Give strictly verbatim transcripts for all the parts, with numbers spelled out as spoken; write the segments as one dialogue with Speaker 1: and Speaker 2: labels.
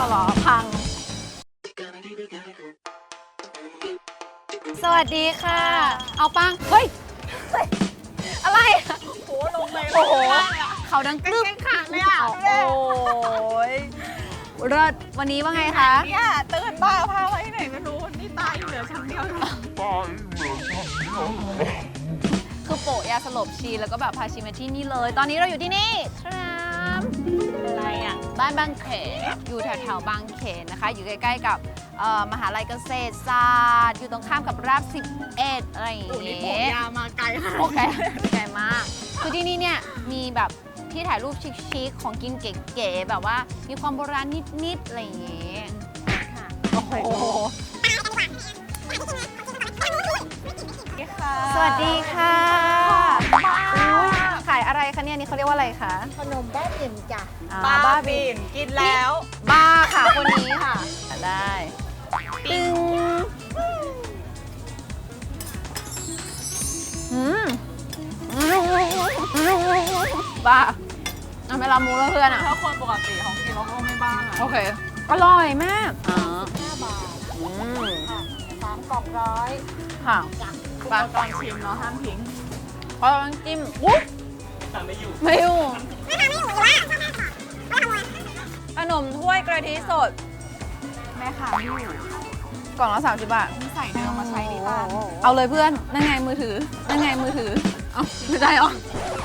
Speaker 1: เอาเหรอพังสวัสดีค่ะเอาปังเฮ้ยอะไรโอ้โหลงเลยโอ้โหเขาดังกรึบขาดเลยอ่ะโอ้ยเลิศวันนี้ว่าไงคะ
Speaker 2: เนี่ยตื่นบ้าพาไว้ไหนไม่รู้นี่ตายอยู่เหลือชั้นเดียวตายเหลือชั้นเดียว
Speaker 1: คือโปะยาสลบชีแล้วก็แบบพาชีมาที่นี่เลยตอนนี้เราอยู่ที่นี่ครับ
Speaker 2: อะไรอ่ะ
Speaker 1: บ้านบางเขนอยู่แถวๆบางเขนนะคะอยู่ใกล้ๆกับมหาลัยเกษตรศาสตร์อยู่ตรงข้ามกับราบสิบเอ็ดอะไรอย่างเงี้
Speaker 2: ยยามาไกลค่ะ
Speaker 1: โอเคไกลมากคือที่นี่เนี่ยมีแบบที่ถ่ายรูปชิคๆของกินเก๋ๆแบบว่ามีความโบราณนิดๆอะไรอย่างเงี้ยค่ะโอ้โหสวัสดีค่ะขายอะไรคะเนี่ยนี่เขาเรียกว่าอะไรคะ
Speaker 3: ขนมบ้าบิ่นจ้ะ
Speaker 2: บ้าบิ่นกินแล้ว
Speaker 1: บ้าค่ะคนนี้ค่ะได้ตึงอืมบ้าเอาเวลามูแล้วเพื่อนอ่ะ
Speaker 2: ถ้าคนปกติของกินเราก็ไม่บ้า
Speaker 1: โอเคอร่อยมาก
Speaker 3: อ๋อห้าบาทอืมค่ะสามกล่องร้อย
Speaker 1: ค่ะ
Speaker 2: ปลาตอนชิมเนาะห้ามทิ้ง
Speaker 1: พอลองจิ้มวุ้บไม่อยู่ไม่อยู่ไม่ทำไม่อยู่เลยขนมถ้วยกะทิสด
Speaker 2: แม่ค้าไม่อยู่
Speaker 1: กล่องละสามสิบบาท
Speaker 2: ใส่เดิมมาใช้ดีป่ะ
Speaker 1: เอาเลยเพื่อนนั่นไงมือถือนั่นไงมือถือเอ้าไม่ได้หรอ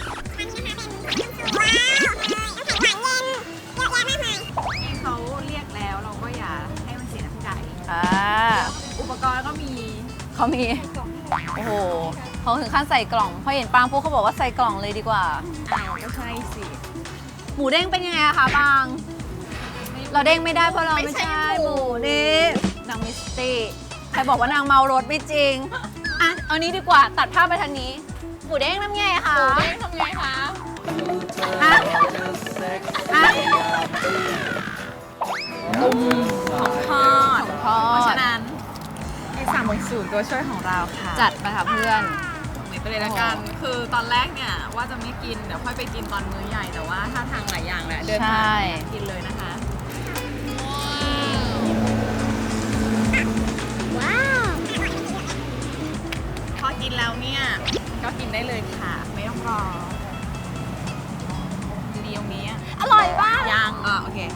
Speaker 2: ที่เขาเรียกแล้วเราก็อย่าให้มันเสียน้ำใจ
Speaker 1: อ่า
Speaker 2: อุปกรณ์ก็มี
Speaker 1: เขามีโอ้โหเขาถึงขั้นใส่กล่องพอเห็นปางพวกเขาบอกว่าใส่กล่องเลยดีกว่า
Speaker 2: อ้าวก็ใช่สิ
Speaker 1: หมูเด้งเป็นยังไงอะคะปางเราเด้งไม่ได้เพราะเราไม่ใช่หมูนี่นางมิสตี้ใครบอกว่านางเมารถไม่จริงอ่ะเอานี้ดีกว่าตัดภาพไปทางนี้หมูเด้งทำไงคะ
Speaker 2: หมูเด้งทำไงคะ
Speaker 1: อ่ะอ่ะ
Speaker 2: ตุ้มของทอด
Speaker 1: ของทอด
Speaker 2: เพราะฉะนั้นมีสามหกศูนย์ตัวช่วยของเราค่ะ
Speaker 1: จัดไปค่ะเพื่อน
Speaker 2: ไปเลยละกันคือตอนแรกเนี่ยว่าจะไม่กินเดี๋ยวค่อยไปกินตอนมื้อใหญ่แต่ว่าถ้าทางหลายอย่างแหละเดินทางกินเลยนะคะ
Speaker 3: ว้าว
Speaker 2: พอกินแล้วเนี่ยก็กินได้เลยค่ะไม่ต้องรอดีตรงนี้
Speaker 1: อร่อยมาก
Speaker 2: ยังอ่ะโอเค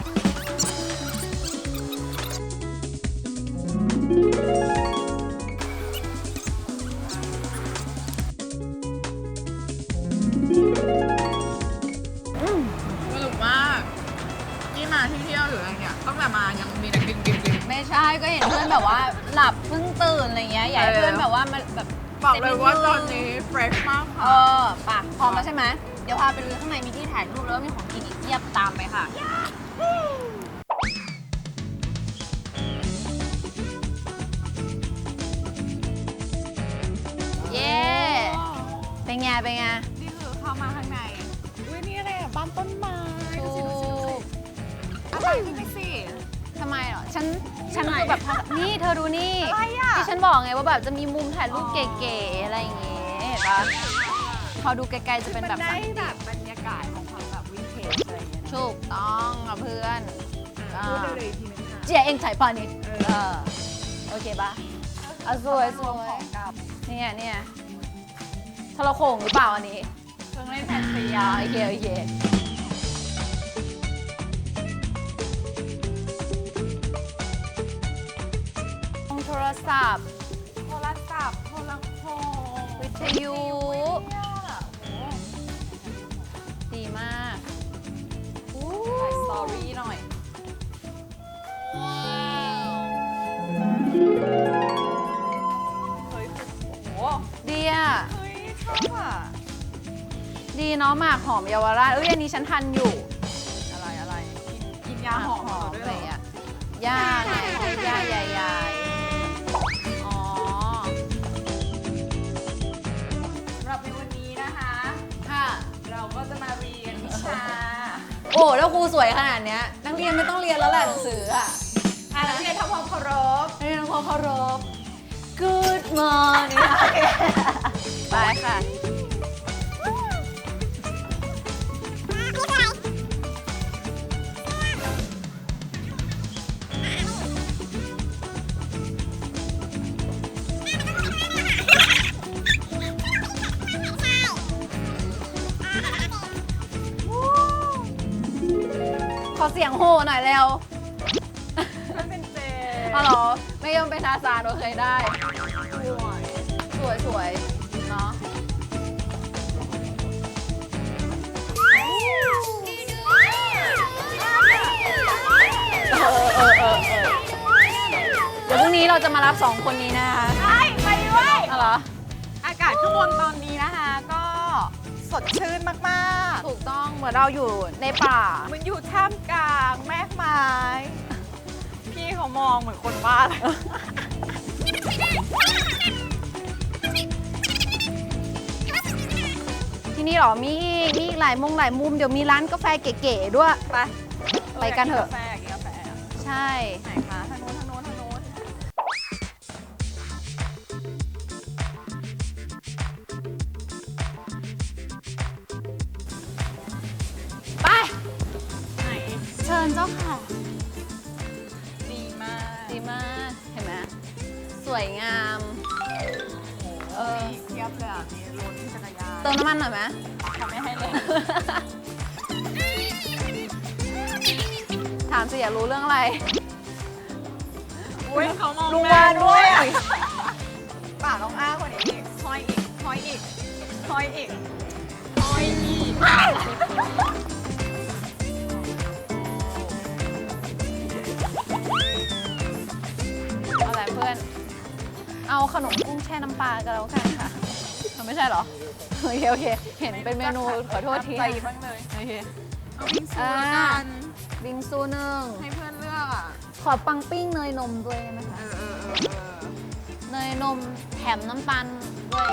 Speaker 2: สนุกมากที่มาที่เที่ยวหรืออะไรเนี่ยต้องแบบมายังมีแต่กินกินกิน
Speaker 1: ไม่ใช่ก็เห็นเพื่อนแบบว่าหลับเพิ่งตื่นอะไรเงี้ยอยากให้เพื่อนแบบว่ามันแบบ
Speaker 2: บอกเลยว่าตอนนี้เฟรชมากค่ะ
Speaker 1: เออป่ะพร้อมแล้วใช่ไหมเดี๋ยวพาไปดูข้างในมีที่ถ่ายรูปแล้วก็มีของกินอีกเทียบตามไปค่ะเย้เป็นไงเป็นไง
Speaker 2: นี่คือเข้ามาข้างในอุ้ยนี่อะไรอ่ะบ้านต้นไม้อะไรขึ้นไปสิ
Speaker 1: ทำไมเหรอฉันฉันคือแบบนี่เธอดูนี่ที่ฉันบอกไงว่าแบบจะมีมุมถ่ายรูปเก๋ๆอะไรอย่างเงี้ยเห็นปะพอดูไกลๆจะเป็นแบบ
Speaker 2: ได้แบบบรรยากาศของความแบบวินเทจอะไรอย่างเงี้ย
Speaker 1: ถูกต้องกับเพื่อน
Speaker 2: พูดเลยทีนึงค่ะ
Speaker 1: เจียเองถ่ายปานิดเออโอเคปะเอาสวยสวยเนี่ยเนี่ยทรโขงหรือเปล่าอันนี้
Speaker 2: เครื่องเล่นแผ่นเสียง
Speaker 1: โอเคโอเคโทรศัพท์
Speaker 2: โทรศัพท์โทรโขง
Speaker 1: วิทยุดีมาก
Speaker 2: ถ่ายสตอรี่หน่อยเฮ้ยโอ้โห
Speaker 1: ดีอ่ะ
Speaker 2: เฮ้ยชอบอ่ะ
Speaker 1: ดีเนาะหมากหอมเยาวราชเอ้ยอันนี้ฉันทันอยู่
Speaker 2: อะไรอะไรกินกินยาหอม
Speaker 1: ด้วยเหรอย่าไงย่าใหญ่ๆ
Speaker 2: ก็จะมาเรียนวิชา
Speaker 1: โอ้แล้วครูสวยขนาดเนี้ยนักเรียนไม่ต้องเรียนแล้วแหละหนังสืออ่ะ
Speaker 2: อ่ะนักเรียนทำความเคารพ
Speaker 1: นักเรียนทำความเคารพ Good morning ไปค่ะอเสียงโห่หน่อยเร็ว
Speaker 2: มันเป็นเจ
Speaker 1: อ๋อเหรอ ไม่ยอมเป็นทาซานโอเคได้ สวยสวยเนาะเออเออเออเออเดี๋ยวพรุ่งนี้เราจะมารับสองคนนี้นะคะ
Speaker 2: ใช่ไปด้วย
Speaker 1: อ๋อเหรอ
Speaker 2: อากาศข้างบนตอนนี้นะคะ ก็สดชื่นมาก
Speaker 1: ถูกต้องเหมือนเราอยู่ในป่า
Speaker 2: ๆเหมันอยู่ท่ามกลางแมกไม้พี่เขามองเหมือนคนบ้าเลย
Speaker 1: ที่นี่เหรอ มีอีกมีอีกหลายมุมหลายมุม เดี๋ยวมีร้านกาแฟเก๋ๆด้วย
Speaker 2: ไป
Speaker 1: ไปกันเถอะ
Speaker 2: ยากกาแฟอยากกินกาแฟ
Speaker 1: ใช่
Speaker 2: ไหนคะทางโน้นทางโน้นทางโน้น
Speaker 1: ไป
Speaker 2: ไหน
Speaker 1: เชิญเจ้าค่ะ
Speaker 2: ดีมาก
Speaker 1: ดีมาก เห็นไหมสวยงาม เออ
Speaker 2: เทียบเลยอ่ะมีรถจักรยาน
Speaker 1: เติมน้ำมันหน่อยไหม
Speaker 2: ทำไม่ให้เลย
Speaker 1: ถามสิอยากรู้เรื่องอะไร
Speaker 2: อุ้ยเขามอง
Speaker 1: ลุง
Speaker 2: หน้
Speaker 1: วาด้วย
Speaker 2: ปากน้องอ้าคนนี้อีกคอยอีกคอยอีกคอยอีกคอยอีก
Speaker 1: เอาอะไรเพื่อน เอาขนมกุ้งแช่น้ำปลากันแล้วกันค่ะมันไม่ใช่เหรอ โอเคโอเค เห็นเป็นเมนูขอโทษที
Speaker 2: ใจบ้างเลย
Speaker 1: โอเค
Speaker 2: เอาบิงซูแล้วกัน
Speaker 1: บิงซูหนึ่ง
Speaker 2: ให้เพื่อนเลือกอ่ะ
Speaker 1: ขอปังปิ้งเนยนมด้วยได้ไหม
Speaker 2: เอ
Speaker 1: คะ
Speaker 2: อเออเออเออ
Speaker 1: เนยนมแถมน้ำตาลด้วย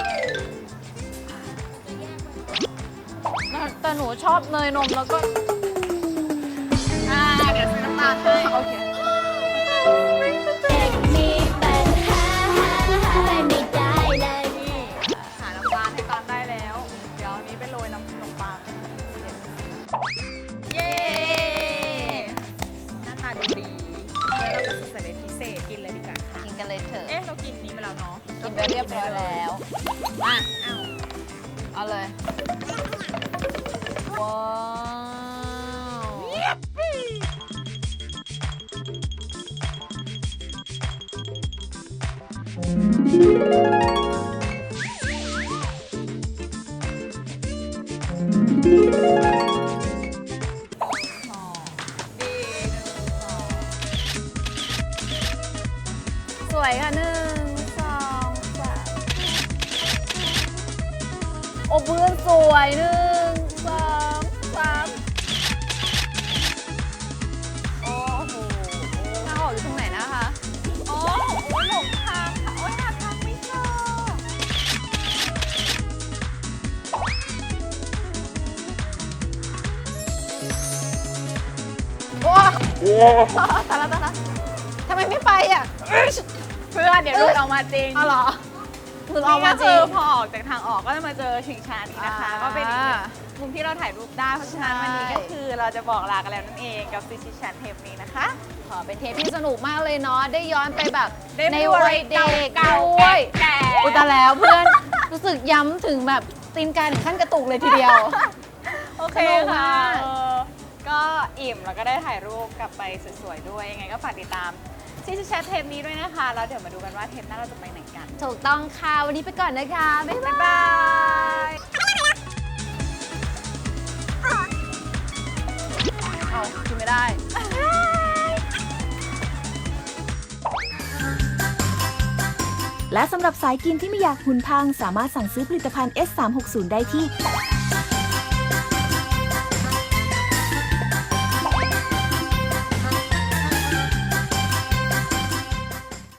Speaker 1: แต่หนูชอบเนยนมแล้วก็
Speaker 2: อ่าเดี๋ยวซื้อน้ำตาลให้
Speaker 1: โอเค
Speaker 3: เด็กมีปัญหาไม่ได้เลย
Speaker 2: นี่หาน้ำตาลให้ตามได้แล้ว เดี๋ยวอันนี้ไปโรยน้ำขนมปังเย้หน้าตาดูดีแล้วเราก็ใส่เป็นพิเศษกินเลยดีกว่าค่ะ
Speaker 1: กินกันเลยเถอะ
Speaker 2: เอ๊ะเรากินนี้ไปแล้วเนาะ
Speaker 1: กินไปเรียบร้อยแล้ว มา
Speaker 2: อ้าว
Speaker 1: เอาเลย ว้าว
Speaker 2: ดีหนึ่งสอง
Speaker 1: สวยค่ะหนึ่งสองสามโอ้เพื่อนสวยหนึ่งสองสามโอ้โหทางออกอยู่ตรงไหนนะคะ
Speaker 2: โอ้โหหลงทางค่ะ โอ้ยหาทางไม่เจอ
Speaker 1: โอ้ตายละตายละทำไมไม่ไปอ่ะ
Speaker 2: เพื่อนเดี๋ยวหลุดออกมาจริง
Speaker 1: เอาเหรอหลุดอ
Speaker 2: นี่
Speaker 1: อกมา
Speaker 2: ก็
Speaker 1: จ
Speaker 2: คื
Speaker 1: ริ
Speaker 2: อง พอออกจากทางออกก็จะมาเจอชิงช้านี้นะคะ
Speaker 1: อ่า
Speaker 2: ก็เป็นอีกหนึ่งมุมที่เราถ่ายรูปได้ เพราะฉะนั้น
Speaker 1: ใช่
Speaker 2: วันนี้ก็คือเราจะบอกลากันแล้วนั่นเองกับซิชิชันเทปนี้นะคะ
Speaker 1: ขอเป็นเทปที่สนุกมากเลยเนาะ ได้ย้อนไปแบบ
Speaker 2: ได้
Speaker 1: ใน
Speaker 2: พูดอะไร
Speaker 1: วัยเด็ก
Speaker 2: เก่าๆ
Speaker 1: ด้วย
Speaker 2: แก่ๆ
Speaker 1: อุยตายแล้วเพื่อน รู้สึกย้ำถึงแบบตีนกายถึงขั้นกระตุกเลยทีเดียว
Speaker 2: โอเค
Speaker 1: สนุกมา
Speaker 2: ค่ะ
Speaker 1: ก
Speaker 2: เออก็อิ่มแล้วก็ได้ถ่ายรูปกลับไปสวยๆด้วย ยังไงก็ฝากติดตามซิชิชันเทปนี้ด้วยนะคะ แล้วเดี๋ยวมาดูกันว่าเทปหน้าเราจะไปไหนกัน
Speaker 1: ถูกต้องค่ะ วันนี้ไปก่อนนะคะ บ๊ายบาย
Speaker 2: บาย
Speaker 1: เอากินไม่ได้
Speaker 4: และสำหรับสายกินที่ไม่อยากหุ่นพัง สามารถสั่งซื้อผลิตภัณฑ์ เอส สามหกศูนย์ ได้ที่